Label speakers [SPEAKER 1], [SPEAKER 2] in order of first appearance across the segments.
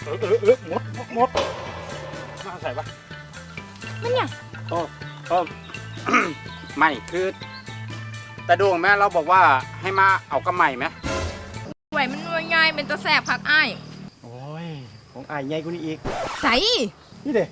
[SPEAKER 1] มดมาใส่ปะ
[SPEAKER 2] มันเนี่ย
[SPEAKER 1] ไม่คือแต่ดวงแม่เราบอกว่าให้มาเอากระไหม่ไหม
[SPEAKER 2] ไหวมันง่ายเป็นตะแสบพักอ้าย
[SPEAKER 3] โอ้ยของอ้ายใหญ่กว่านี้อีก
[SPEAKER 2] ใส่
[SPEAKER 3] นี่เด้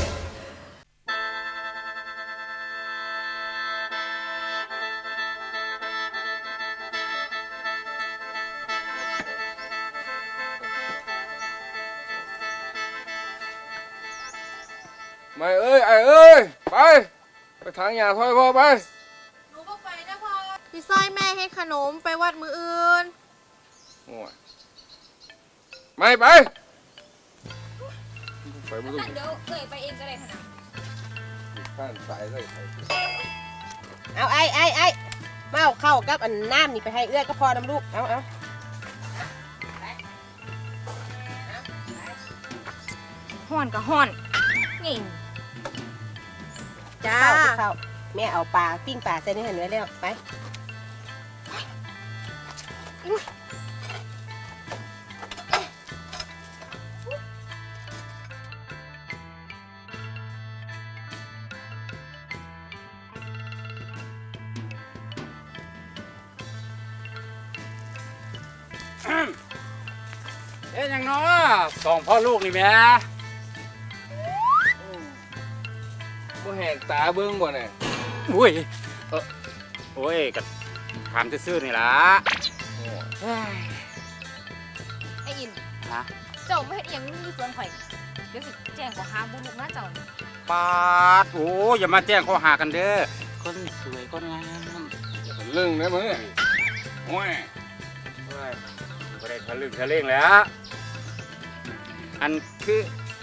[SPEAKER 4] ไม่เอ้ยไอ้เอ้ยไปทางยาถอยพ่อไป
[SPEAKER 2] หนูก็ไปนะพ่อพี่สร้อยแม่ให้ขนมไปวัดมืออื่น
[SPEAKER 4] โอ้ยไม่ไปไม่ต้อง
[SPEAKER 2] เดี๋ยวเอ่ยไปเองก็ได้ขนาด
[SPEAKER 4] ข้านสายเลย
[SPEAKER 5] เอาไอ้มาเอาเข้ากับอันน้ำนี่ไปให้เอื้อยก็พอน้ำลูกเอา
[SPEAKER 2] ห่อนกับห่อนนี่จ้า
[SPEAKER 5] เข้าแม่เอาปลาปิ้งปลาใส่ในหันไว้แล้วไป
[SPEAKER 1] ยังเนาะสองพ่อลูกนี่แม่
[SPEAKER 4] บ่แหกตาเบิ้งบ่เนี่ย
[SPEAKER 1] อุ้ยโอ้ยกับถามซื่อๆนี่ล่ะ
[SPEAKER 2] ไอ้อิน
[SPEAKER 1] ฮะ
[SPEAKER 2] เจ้าไม่เห็นอย่างนี้สวนข่อยเดี๋ยวสิแจ้งขอหาบุญลูกนะเจ้า
[SPEAKER 1] ปาดโอ้อย่ามาแจ้งข้อหากันเด้อคนสวยคนงาม
[SPEAKER 4] เรื่องนะมึงโอ้ย
[SPEAKER 1] ไม่ได้ทะลึ่งทะเล่งแล้ว อันคือ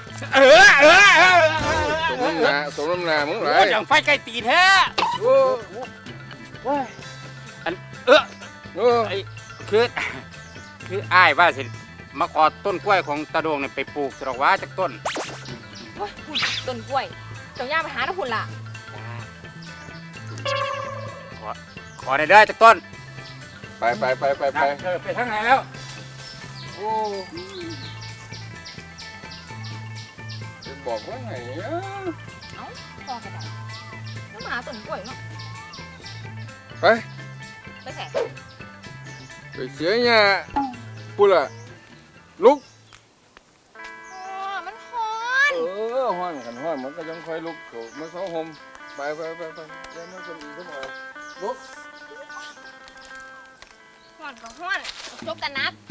[SPEAKER 4] สมน้ำหน้ามึงไร
[SPEAKER 1] อย่างไฟใกล้ตีแท้อันไอ้คืออ้ายว่าสิมาขอต้นกล้วยของตาดวงเนี่ยไปปลูกสระว่าจากต้น
[SPEAKER 2] ต้นกล้วยเจ้าย่าไปหาน้ำพุ่นล่ะ
[SPEAKER 1] ขอได้เด้อจากต้น
[SPEAKER 4] ไป
[SPEAKER 1] ไปทางไหนแล้ว
[SPEAKER 4] โอ้บอกว่าไง
[SPEAKER 2] เอ้าพอกันได้น้ำหมาต้นกล้วยเนาะ
[SPEAKER 4] ไป
[SPEAKER 2] แส่
[SPEAKER 4] ไปเสียเนี่ยปุ๊ล่ะลุก
[SPEAKER 2] มันฮ้อน
[SPEAKER 4] ฮ้อนกันฮ้อนมันก็ยังค่อยลุกมาเข้าห่มไปแล้วมันจะมีขึ้นมาลุก
[SPEAKER 2] ฮ้อนก็ฮ้อนจบกันนัก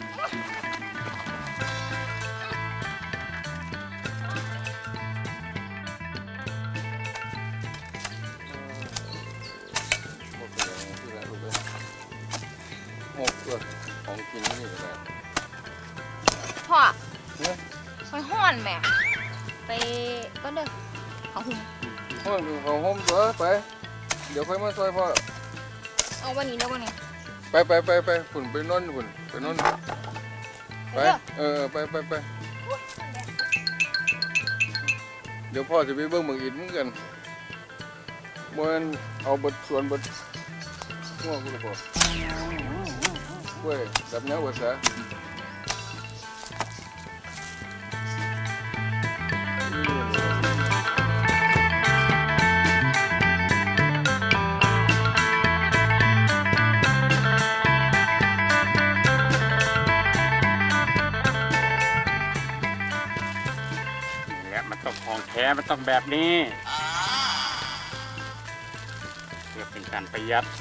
[SPEAKER 4] ของกินนี่แหละ
[SPEAKER 2] พ่อไปห้อนแม่ไปก็เด้อเขาหุ่ม
[SPEAKER 4] เขาห่มตัวไปเดี๋ยวค่อยมาซอยพ่อ
[SPEAKER 2] เอาวันนี้เดี๋ยววันนี้
[SPEAKER 4] ไปฝุ่นไปนอนฝุ่นไปนอนไปไปเดี๋ยวพ่อจะไปเบิ่งเมืองอินเหมือนกันบนเอาบทส่วนบทง่วงกูเลยพ่อเว้ยจับเนื้อวัวซะ
[SPEAKER 1] และมันต้องของแท้มันต้องแบบนี้เพื่อเป็นการประหยัด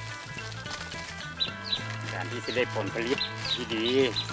[SPEAKER 1] การที่จะได้ผลผลิตที่ดี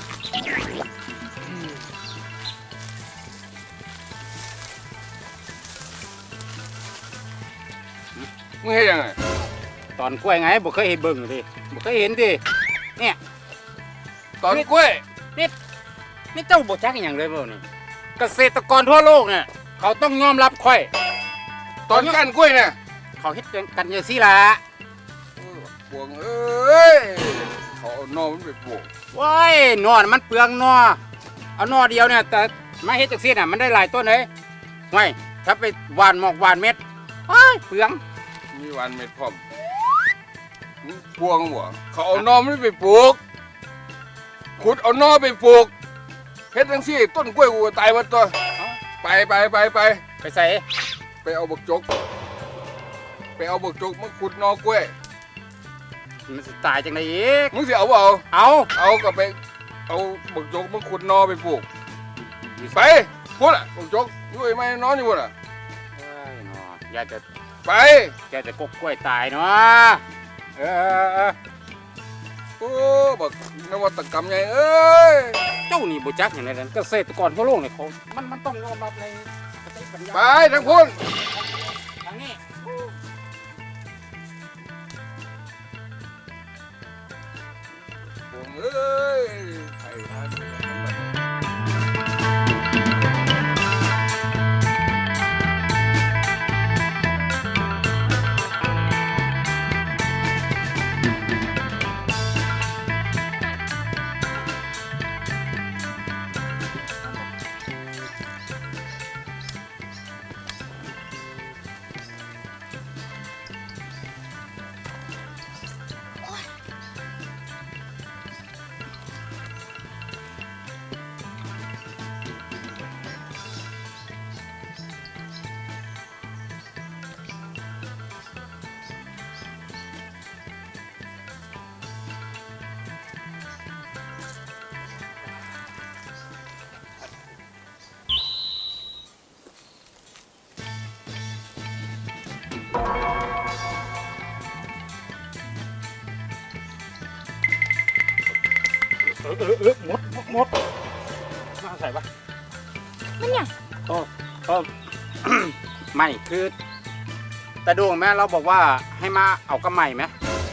[SPEAKER 4] มึงเห็นยังไง
[SPEAKER 1] ตอนกล้วยไงบ่เคยเห็นเบิ่งดิบ่เคยเห็นดิเนี่ย
[SPEAKER 4] ตอนกล้วย
[SPEAKER 1] นี่เจ้าบ่จักอย่างเลยบ่นี่เกษตรกรทั่วโลกเนี่ยเขาต้องยอมรับค่อย
[SPEAKER 4] ตอนก้านกล้วยเนี่ย
[SPEAKER 1] เขาเฮ็ดกันอย่างซี่ล่ะ
[SPEAKER 4] ปวงเอ้ยเขาเอานอมันไปปลูก
[SPEAKER 1] ว้ายนอมันเปลืองนอเอานอเดียวเนี่ยแต่มาเฮ็ดจังซี่น่ะมันได้หลายต้นเลยว้ายถ้าไปหว่านหมอกหว่านเม็ดว้ายเปลือง
[SPEAKER 4] มีหว่านเม็ดพร้อมพวงหัวเขาเอานอมันไปปลูกขุดเอานอไปปลูกเฮ็ดจังซี่ต้นกล้วยกูก็ตายหมดตัวไป
[SPEAKER 1] ไปใส่
[SPEAKER 4] ไปเอาบักจกมาขุดหนอกล้วย
[SPEAKER 1] มันสิตายจังไดอีก
[SPEAKER 4] มึงสิเอาบ่เอา
[SPEAKER 1] เอา
[SPEAKER 4] ก็ไปเอาบักจกมาขุดหนอไปปลูกไปพูดอ่ะบักจกอยู่ไอ้ไม้นอนอยู่พุ่นอ่ะ
[SPEAKER 1] เอ้ยเนาะอยากจะ
[SPEAKER 4] ไป
[SPEAKER 1] แกจะกบกล้วยตายเนาะเออ
[SPEAKER 4] โอ้บักนวัตกรรมใหญ่เอ้ย
[SPEAKER 1] เจ้านี่บ่จักอย่างไรนั่นเกษตรกรทั่วโลกเนี่ยเขามันต้องยอมรับในสติปัญญา
[SPEAKER 4] ไปทั้งพุ่น
[SPEAKER 1] ทางนี้
[SPEAKER 4] ผมเอ้ยไอ้ท่าน
[SPEAKER 1] หมดมาใส่ปะ
[SPEAKER 2] มันเนี่ย
[SPEAKER 1] ไม่คือแต่ดวงแม่เราบอกว่าให้มาเอากระไหม่ไหม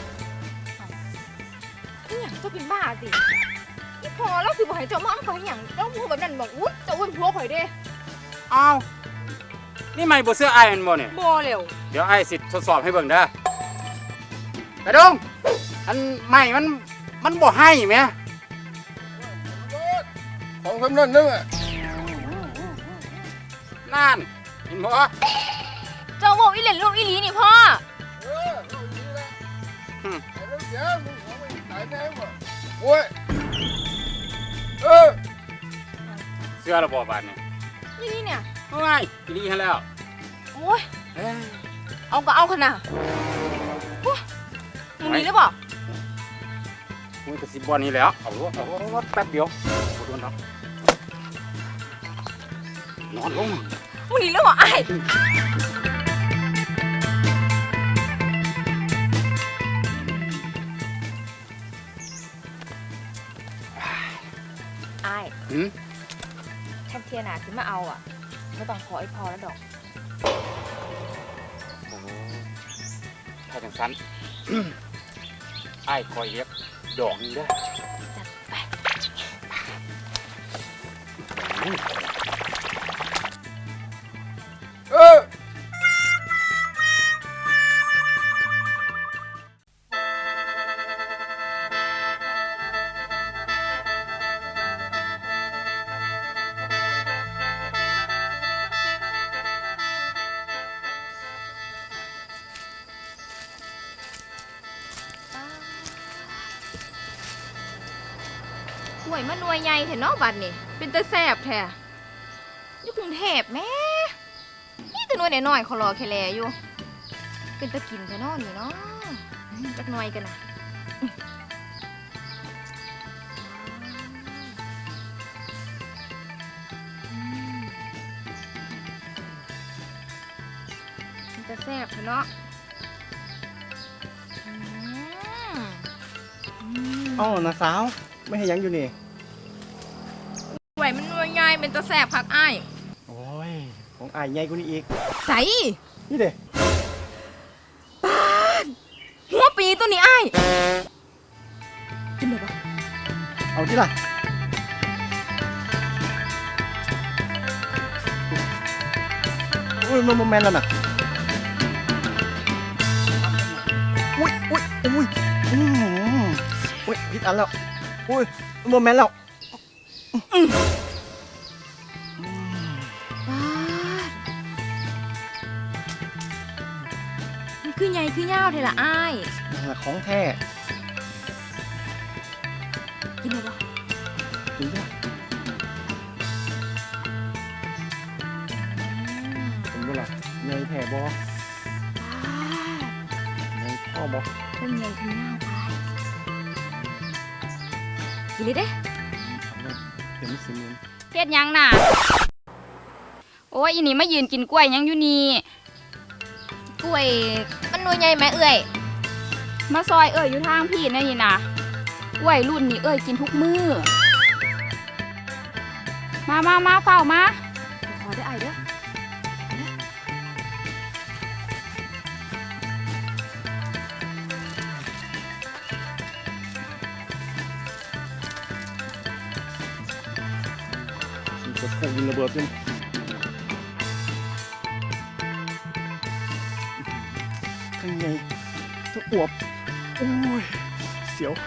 [SPEAKER 2] นี่อย่างเจ้าเป็นบ้าสินี่พอแล้วสิบ่ให้เจ้ามาเอาไปอย่างเจ้าพูดแบบนั้นบอกอุ๊ยเจ้าอ้วนพัวข่อยเด้
[SPEAKER 1] อ้าวนี่ไม่บ่เสื้อไอ้มันบ่เนี่ย
[SPEAKER 2] บ่เร็ว
[SPEAKER 1] เดี๋ยวไอ้สิทดสอบให้เบิ่งเด้อแต่ดวงอันไม่มันบ่ให้ไหม
[SPEAKER 4] ของสำนักนึงอ่ะ
[SPEAKER 1] นั่นเห็นบ่
[SPEAKER 2] เจ้าบอกอีเหล่นลูกอีหลีนี่พ่อ
[SPEAKER 4] ลูกนี้ละไอ้เรื่องเสียมึงของมันตายแน่หมดโอ้ยเออ
[SPEAKER 1] เสื้อระบบบานเนี่ย
[SPEAKER 2] อีหลีเนี่ย
[SPEAKER 1] เฮ้ยอีนี่ให้แล้ว
[SPEAKER 2] โอ้ย
[SPEAKER 1] เอ้ย
[SPEAKER 2] เอาก็เอาขนาดมึงมีหรือเปล่า
[SPEAKER 1] มึงก็สิบ่นี่แหล้วเอาแป๊บเดียวบ่โดนหรอกนอนลง
[SPEAKER 2] มึงมีหรือเปล่าไอ้ไอ้
[SPEAKER 1] หืม
[SPEAKER 2] ถ้าเทียนาขึ้นมาเอาอ่ะไม่ต้องขอไอ้พอแล้วดอก
[SPEAKER 1] โอ้ถ้าจังซั่น ไอ้คอยเรียกดอกนึงเด้อ
[SPEAKER 2] จัดไป
[SPEAKER 4] เออ
[SPEAKER 2] หวยมันหน่วยใหญ่แท้เนาะบัดนี่เป็นตาแสบแท้อยู่กรุงเทพแม่นี่แต่หน่วยน้อยๆเขารอแค่แลอยู่ เป็นตะกินแท้เนาะนี่เนาะจักหน่อยกันนะเป็นตาแสบแท้เนาะอืม
[SPEAKER 3] เอ้าน้าสาวไม่ให้หยังอยู่นี่
[SPEAKER 2] ไหวมันว่าง่ายเป็นตะแสบพักอ้าย
[SPEAKER 3] โอ้ยของอ้ายใหญ่กว่านี้อีก
[SPEAKER 2] ใส่
[SPEAKER 3] นี่เด้
[SPEAKER 2] หัวปีตัวนี้อ้ายกินได้ปะ
[SPEAKER 3] เอาที่ล่ะอุ้ยมันแมนแล้วน่ะอุ้ยอุ้ยผิดอันแล้วอุ้ยมันแมนแล้ว
[SPEAKER 2] บ้ามันคือใหญ่คือยาวเทล่ะอ้าย
[SPEAKER 3] นั่นแหละของแท้
[SPEAKER 2] กินได้ปะ
[SPEAKER 3] จริงด้วยล่ะใหญ่แท้บ่ใหญ่พ่อบ่
[SPEAKER 2] เพิ่งใหญ่ถึงหน้าตายกินเลยเด้
[SPEAKER 3] เอาเลยเดี๋ยวมันสิเมียน
[SPEAKER 2] เฮ็ดหยังน่ะโอ้ยอีนี่มายืนกินกล้วยหยังอยู่นี่กล้วยมันหน่วยใหญ่ไหมเอ้ยมาซอยเอ้ยอยู่ทางพี่นั่นนี่นะกล้วยรุ่นนี้เอ้ยกินทุกมื้อมาเฝ้ามาขอได้ไอเด้อ
[SPEAKER 3] มันจะพุ่งยิงระเบิดขึ้นข้างในจะอวบโอ้ยเสียว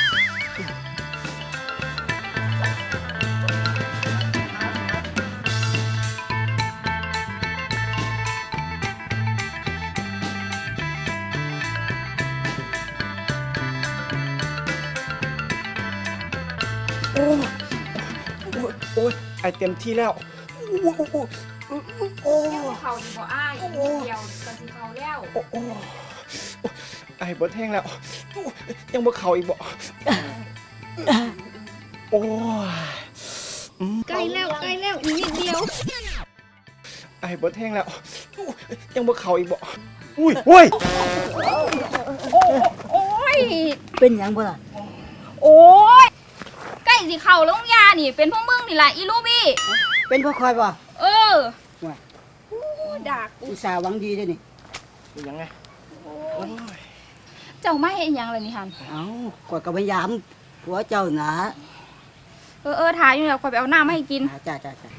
[SPEAKER 3] โอ้ยโอ้ยโอ้ยไอเต็มที่แล้วโอ้โหโอ้โห
[SPEAKER 2] เขาดีบ่อ้ายเดียวกันสิเขาแล้ว
[SPEAKER 3] โอ้โหไอ้เบิดแห้งแล้วยังบ่เข่าอีกบ่โอ้ย
[SPEAKER 2] ใกล้แล้วอีกนิดเดียว
[SPEAKER 3] ไอ้เบิดแห้งแล้วยังบ่เข่าอีกบ่อุ้ยอุ้ย
[SPEAKER 2] โอ้ย
[SPEAKER 6] เป็นหยังบ่ล่ะ
[SPEAKER 2] โอ้ยใกล้สิเข่าแล้วยานี่เป็นพวกมึงนี่แหละอีลูบี้
[SPEAKER 6] เป็นพ่อคอยบ่
[SPEAKER 2] เออ
[SPEAKER 6] ว่า
[SPEAKER 2] โอ้ดัก
[SPEAKER 6] อุตส่าห์หวังดีเด้อนี่
[SPEAKER 3] เป็นยังไง
[SPEAKER 2] เจ้ามาเฮ็ดหยังเลยนี่ฮัน
[SPEAKER 6] เอ้ากดกับพยายามผัวเจ้านะ
[SPEAKER 2] เออถ่ายอยู่แล้วคอยไปเอาน้ำมาให้กิน
[SPEAKER 6] จ้า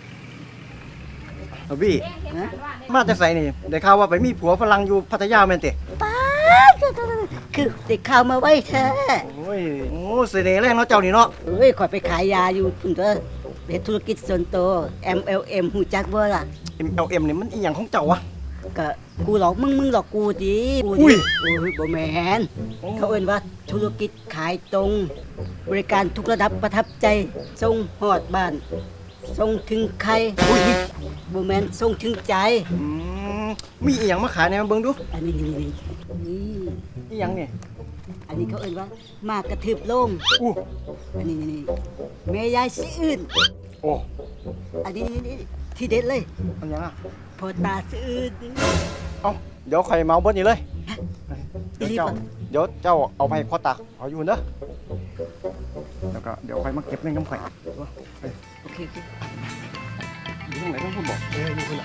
[SPEAKER 3] เอาบี้
[SPEAKER 6] ฮะ
[SPEAKER 3] มาแต่ไสนี่ได้ข่าวว่าไปมีผัวฝรั่งอยู่พัทยาแม่นติ
[SPEAKER 6] ป้าคือเด็กข่าวมาไว้แท้
[SPEAKER 3] โอ้ยโอ้เสน่ห์แรงเนาะเจ้านี่เนาะ
[SPEAKER 6] เอ้ยข่อยไปขายยาอยู่พุ่นเด้อเฮ็ดธุรกิจส่วนตัว MLM ฮู้จักบ่ล่ะ
[SPEAKER 3] MLM นี่มันอีหยังของเจ้าวะ
[SPEAKER 6] ก็กูหลอกมึงหลอกกูดิกู
[SPEAKER 3] อุ้
[SPEAKER 6] ดิ
[SPEAKER 3] ย
[SPEAKER 6] โอ้ยบ่แม่นเขาเอิ้นว่าธุรกิจขายตรง บริการทุกระดับประทับใจส่งฮอดบ้านส่งถึงใครอุ้ยบ่แม่นส่งถึงใจ
[SPEAKER 3] อืมมีอีหยังมาขายแหน่มาเบิ่งดู
[SPEAKER 6] อันนี้นี่
[SPEAKER 3] อีหยังนี่
[SPEAKER 6] อันนี้เขาเอิ้นว่ามากระทืบโลง
[SPEAKER 3] อู้
[SPEAKER 6] อันนี้แม่ยายสิอื่น
[SPEAKER 3] โอ้
[SPEAKER 6] อันนี้ที่เด็ดเลย
[SPEAKER 3] อันหยังอ่ะ
[SPEAKER 6] พอตาสิอื่น
[SPEAKER 3] เอ้าเดี๋ยวข่อยเมาเบิดนี่เลย
[SPEAKER 6] อีหลี
[SPEAKER 3] เดี๋ยว
[SPEAKER 6] บ่
[SPEAKER 3] เจ้าเอาไปให้พ่อตาเอาอยู่เด้อแล้วก็เดี๋ยวค่อยมาเก็บเงินกำข่อย
[SPEAKER 6] โอเค
[SPEAKER 3] อยู่ตรงไหนต้องพูดบอกอยู่คนละ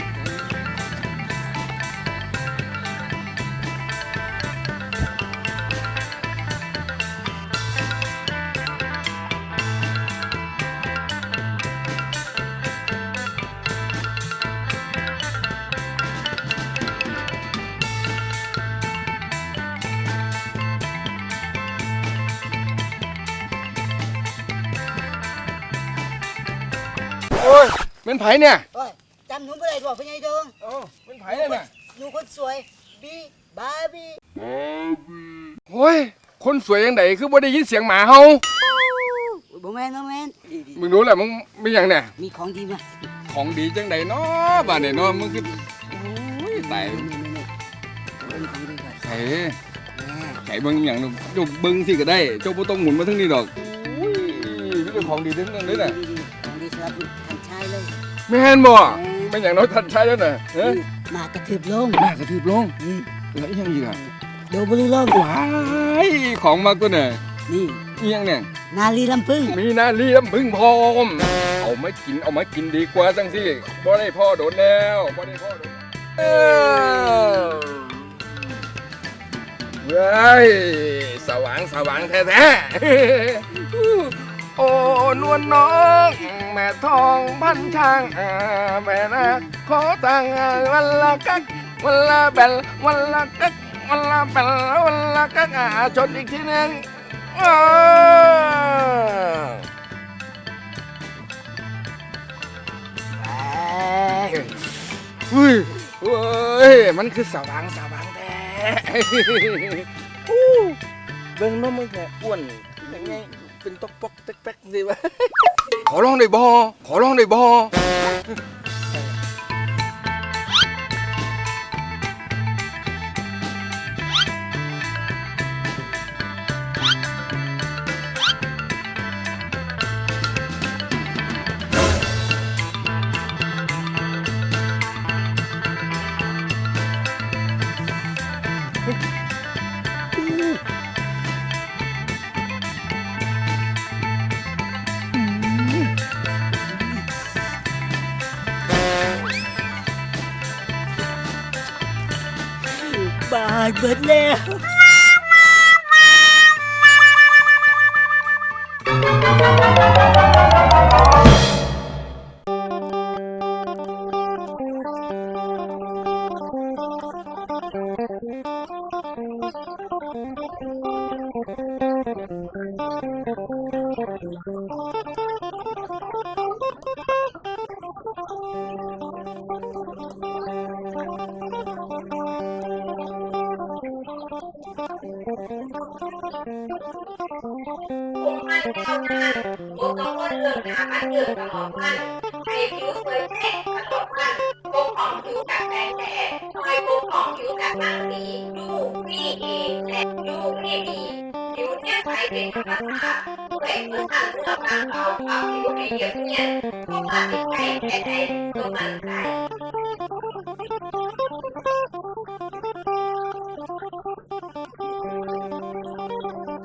[SPEAKER 4] โอ้ยเป็นไผเนี่ย
[SPEAKER 6] โอ้ยจำหนูบ่ได้ดอกพ่อใหญ่เด้ง
[SPEAKER 4] เอ้าเป็นไผเนี่ยน่ะ
[SPEAKER 6] หนูคนสวยบีบาร์บี้
[SPEAKER 4] โอ้ยคนสวยยังไงคือบ่ได้ยินเสียงหมาเฮา
[SPEAKER 6] บ่แม่นดี
[SPEAKER 4] มึงรู้แหละมึงเป็นหยังเนี่ย
[SPEAKER 6] มีของดีมา
[SPEAKER 4] ของดีจังไดเนาะบ้านเนี่ยเนาะมึงคือโอ้ยตาย
[SPEAKER 6] นี่เป็นของดีก่อน
[SPEAKER 4] ไข่ไข่เบิ่งอหย่างนู้นเจ้าเบิ่งสิก็ได้ เจ้าบ่ต้องหมุนมาทั้งนี้ดอกโอ้ยมีแต่ของดีทั้งนั้นเลยน่ะ
[SPEAKER 6] ของดีสำหรับท่านชายเลย
[SPEAKER 4] แม่นบ่เป็นหยังเนาะท่านชายแล้วน่ะเอ้ย
[SPEAKER 6] มากระทืบลง
[SPEAKER 4] น่ากระทืบลงแล้วอีหยังอีกอ่ะ
[SPEAKER 6] โดบ่รู้ลง
[SPEAKER 4] ว้ายของมากตัวน่ะ
[SPEAKER 6] นี่
[SPEAKER 4] อีหยังเนี่ย
[SPEAKER 6] นาลีลำพึ่ง
[SPEAKER 4] มีหน้าเลี้ยมพึ่งพร้อมเอามากินดีกว่าจังสิบ่ได้พ่อโดนแล้วบ่ได้พ่อโดนเว้ยสว่างแท้ๆโอ้นวลน้องแม่ทองพันช่างแม่นะขอตังวันละกักวันละแบลวันละกักวันละแบลวันละกักชนอีกทีหนึงเฮ้ยเฮ้ย มันคือสว่างแท้
[SPEAKER 3] เบิ่งน้องมึงแค่อ้วนยังไงเป็นตอกปอกแต๊กๆสิวะ
[SPEAKER 4] ขอร้องได้บ่
[SPEAKER 6] ายเบิดแล้ว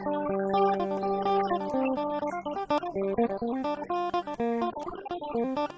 [SPEAKER 2] Thank you.